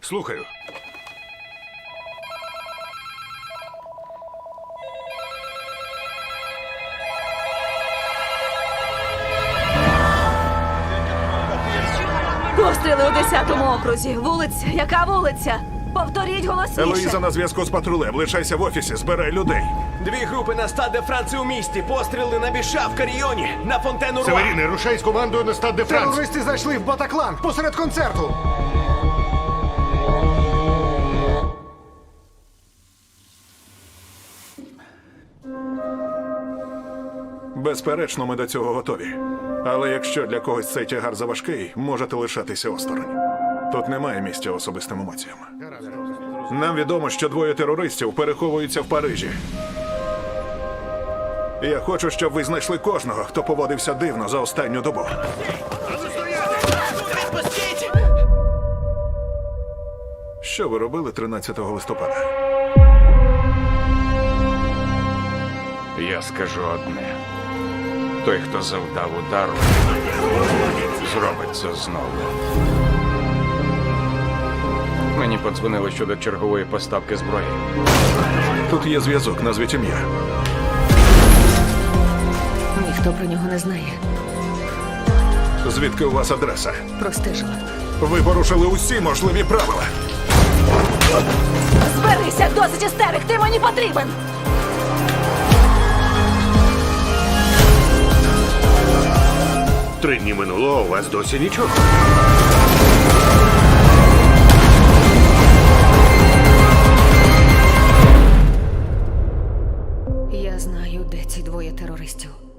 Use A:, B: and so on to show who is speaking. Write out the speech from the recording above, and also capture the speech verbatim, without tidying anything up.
A: Слухаю.
B: Постріли у десятому окрузі. Вулиця. Яка вулиця? Повторіть голосніше.
A: Елоїза на зв'язку з патрулем. Лишайся в офісі, збирай людей.
C: Дві групи на Стад де Франції у місті. Постріли на Біша в Каріоні, на Фонтену Руа.
D: Северіни, рушай з командою на Стад де Франс.
E: Терористи зайшли в Батаклан посеред концерту.
A: Безперечно, ми до цього готові. Але якщо для когось цей тягар заважкий, можете лишатися осторонь. Тут немає місця особистим емоціям. Нам відомо, що двоє терористів переховуються в Парижі. Я хочу, щоб ви знайшли кожного, хто поводився дивно за останню добу. Що ви робили тринадцятого листопада?
F: Я скажу одне. Той, хто завдав удару, зробить це знову. Мені подзвонили щодо чергової поставки зброї.
A: Тут є зв'язок, назвіть ім'я.
B: Ніхто про нього не знає.
A: Звідки у вас адреса?
B: Простежила.
A: Ви порушили усі можливі правила.
B: Зберися, досить істерик, ти мені потрібен!
D: Три дні минуло, а у вас досі нічого.
B: Я знаю, де ці двоє терористів.